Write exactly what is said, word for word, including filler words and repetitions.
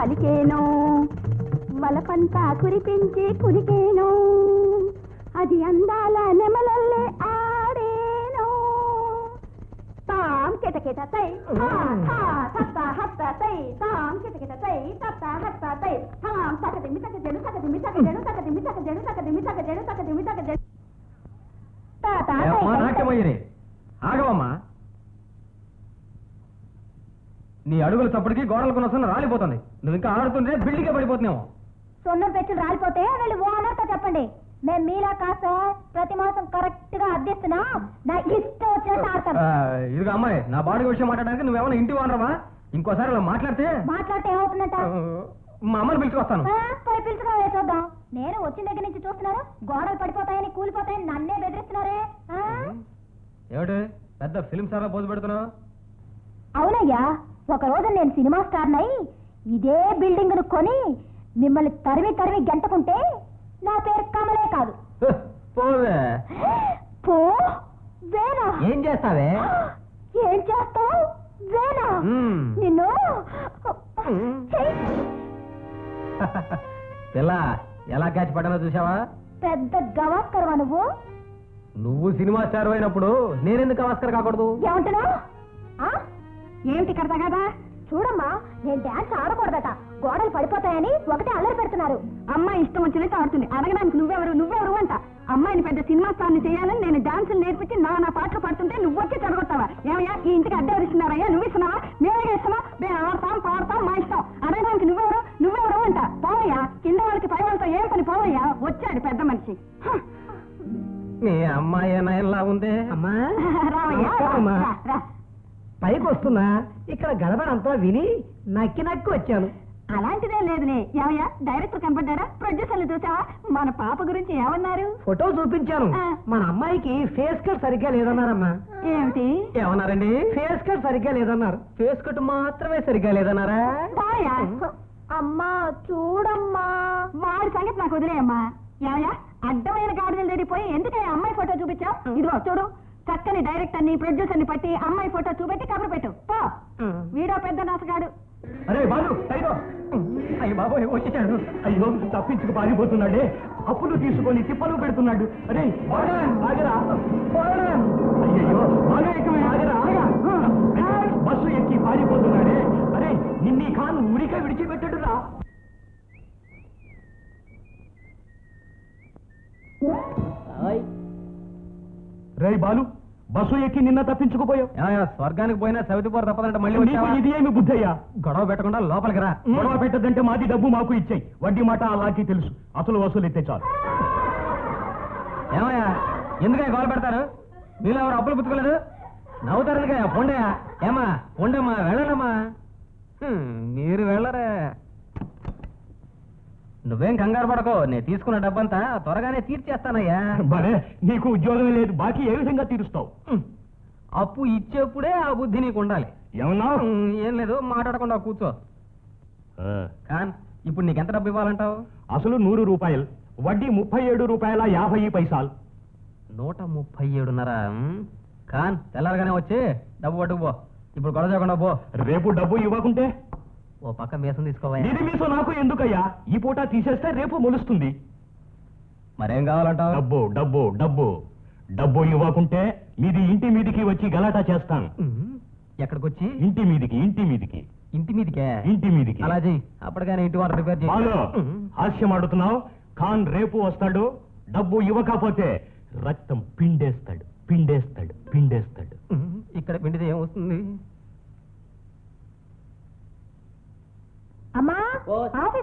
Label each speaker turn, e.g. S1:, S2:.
S1: పలికేను వలపంతా కురిపించి కురికేను అది అందాల నెమలల్లే ఆడేను తాం కిటకిట తై హత్త హత్త తై తాం కిటకిట తై తత్త హత్త తై తాం తకది మితక జడు తకది మితక జడు తకది మితక జడు తకది మితక జడు తకది మితక జడు తాత
S2: నాట్యమయ్యరే ఆగవమ్మా. నీ అడుగుల తప్పటికి గోడలకు నొసన రాలిపోతుంది. నువ్వు ఇంకా ఆడుతుంటే బిల్డింగే పడిపోతున్నావు.
S1: సొన్నం పెట్టి రాలిపోతే వెళ్ళి ఓనర్తో చెప్పండి. మేము మీలా కాస్త ప్రతి మాసం కరెక్ట్ గా అద్దెస్తున్నా నా ఇష్టం వచ్చినట్టు ఆడతాను.
S2: ఇదిగో అమ్మాయి, నా బాడీ విషయం మాట్లాడడానికి నువ్వేమైనా ఇంటి ఓనరవా? ఇంకోసారి అలా మాట్లాడితే
S1: మాట్లాడితే ఏమవుతుందంట?
S2: మా అమ్మని పిలుచుకొస్తాను.
S1: పోయి పిలుచుకో చూద్దాం. నేను వచ్చిన దగ్గర నుంచి చూస్తున్నాను గోడలు పడిపోతాయని కూలిపోతాయని నన్నే బెదిరిస్తున్నారే.
S2: ఏమిటి పెద్ద ఫిల్మ్ స్టార్ పోజు పెడుతున్నావు?
S1: అవునయ్యా, ఒక రోజు నేను సినిమా స్టార్ నై ఇదే బిల్డింగ్ ను కొని మిమ్మల్ని తరిమి తరిమి గెంటకుంటే నా పేరు కమలే కాదు.
S2: పోవే.
S1: పో వేనా?
S2: ఏం చేస్తావే?
S1: ఏం చేస్తావు? వేనా నిన్ను
S2: పిల్ల ఎలా క్యాచ్ పడ్డానో చూసావా?
S1: పెద్ద గవాస్కరవా నువ్వు?
S2: నువ్వు సినిమా స్టార్ అయినప్పుడు నేనెందుకు గవాస్కర్ కాకూడదు?
S1: ఏమంటున్నావు? ఏమిటి కడతా కదా? చూడమ్మా, నేను డాన్స్ ఆడకూడదట, గోడలు పడిపోతాయని ఒకటే అల్లరి పెడుతున్నారు. అమ్మాయి ఇష్టం వచ్చినట్టు ఆడుతుంది. అడగడానికి నువ్వెవరు నువ్వెవరు అంట. అమ్మాయిని పెద్ద సినిమా స్టార్ని చేయాలని నేను డాన్సులు నేర్పించి నా నా పాటలు పడుతుంటే నువ్వు వచ్చి చెడగొట్టావా? ఏమయ్యా, ఈ ఇంటికి అద్దె ఇస్తున్నారయ్యా? నువ్వు ఇస్తున్నావా? మేమే ఇస్తున్నా. మేము ఆడతాం పాడతాం, మా ఇష్టం. అడగడానికి నువ్వెవరు నువ్వెవరు అంట. పోవయ్యా, కింద వాళ్ళకి పై వాళ్ళతో ఏం పని? పోవయ్యా, వచ్చాడు పెద్ద మనిషి.
S2: మీ అమ్మాయి ఎలా ఉంది?
S3: అమ్మా
S1: రావయ్యా,
S3: పైకి వస్తున్నా, ఇక్కడ గడబడంతా విని నక్కి నక్కి వచ్చాను.
S1: అలాంటిదే లేదులే. ఏమయ్యా, డైరెక్టర్ కనపడ్డారా? ప్రొడ్యూసర్లు చూసావా? మన పాప గురించి ఏమన్నారు?
S3: ఫోటో చూపించాను. మన అమ్మాయికి ఫేస్ కట్ సరిగ్గా లేదన్నారమ్మా.
S1: ఏమిటి
S2: ఏమన్నారండి?
S3: ఫేస్ కట్ సరిగ్గా లేదన్నారు.
S2: ఫేస్ కట్ మాత్రమే సరిగ్గా లేదన్నారా?
S1: అమ్మా చూడమ్మా, వాడి సంగతి నాకు వదిలేయమ్మా. ఏమయ్యా, అడ్డమైన గాడిదలు తెడిపోయి ఎందుకని అమ్మాయి ఫోటో చూపించావు? ఇదిగో చూడు, చక్కని డైరెక్టర్ ని ప్రొడ్యూసర్ ని పట్టి అమ్మాయి ఫోటో చూపెట్టి కబురు పెట్టు. పో, వీడో పెద్ద నాసగాడు.
S2: అరే బాలు, అయ్యో బాబోయ్ వచ్చేసాడు. అయ్యో తప్పించుకు పారిపోతున్నాడే. అప్పులు తీసుకొని తిప్పలు పెడుతున్నాడు. అరే ఆగరా, అయ్యో బాలు ఎక్కమే ఆగరా. బస్సు ఎక్కి పారిపోతున్నాడే. అరే నిన్నీ ఖాన్ ఉరిక విడిచిపెట్టడురా. రే బాలు, బస్సు ఎక్కి నిన్న తప్పించుకుపోయావు. స్వర్గానికి పోయినా సవితిపోరు తప్పదంటే మళ్ళీ ఇది ఏమి బుద్ధయ్యా? గొడవ పెట్టకుండా లోపలికి రా. గొడవ పెట్టదంటే మాది డబ్బు మాకు ఇచ్చాయి. వడ్డీ మాట అలాగే తెలుసు. అసలు వసూలు ఎత్తే చాలు. ఏమయ్యా, ఎందుకయ్యా గొడవ పెడతారు? మీరు ఎవరు అప్పులు పుచ్చుకోలేదు? నవ్వుతారు పొండయా. ఏమా పొండమ్మా, వెళ్ళనమ్మా. మీరు వెళ్ళరే. నువ్వేం కంగారు పడకో, నేను తీసుకున్న డబ్బంతా త్వరగానే తీర్చేస్తానయ్యా. బరే, నీకు ఉద్యోగం లేదు, బాకీ ఏ విధంగా తీరుస్తావు? అప్పు ఇచ్చేప్పుడే ఆ బుద్ధి నీకు ఉండాలి. ఏమన్నా? ఏం లేదు, మాట్లాడకుండా కూర్చో. కాన్, ఇప్పుడు నీకెంత డబ్బు ఇవ్వాలంటావు? అసలు నూరు రూపాయలు, వడ్డీ ముప్పై ఏడు రూపాయల యాభై పైసలు. నూట ముప్పై ఏడున్నర. కాన్, తెల్లారగానే వచ్చి డబ్బు పట్టుకుపో. ఇప్పుడు గొడవ చేయకుండా పో. రేపు డబ్బు ఇవ్వకుంటే ఓ పక్క మీసం తీసుకోవాలి. ఇది మీసం నాకు ఎందుకయ్యా? ఈ పూట తీసేస్తే రేపు మొలుస్తుంది. మరేం కావాలంటావు? డబ్బు డబ్బు డబ్బు డబ్బు ఇవ్వకుంటే మీది ఇంటి మీదికి వచ్చి గలాటా చేస్తాను. ఎక్కడికి వచ్చి? ఇంటి మీదికి. ఇంటి మీదికి. ఇంటి మీదికే? ఇంటి మీదికి. అలా చెయ్యి, అప్పటికైనా ఇంటి వాటర్ రిపేర్ చేయి. హాస్యం ఆడుతున్నావు. ఖాన్ రేపు వస్తాడు. డబ్బు ఇవ్వకపోతే రక్తం పిండేస్తాడు పిండేస్తాడు పిండేస్తాడు. ఇక్కడ పిండితే ఏమొస్తుంది?
S1: అమ్మా,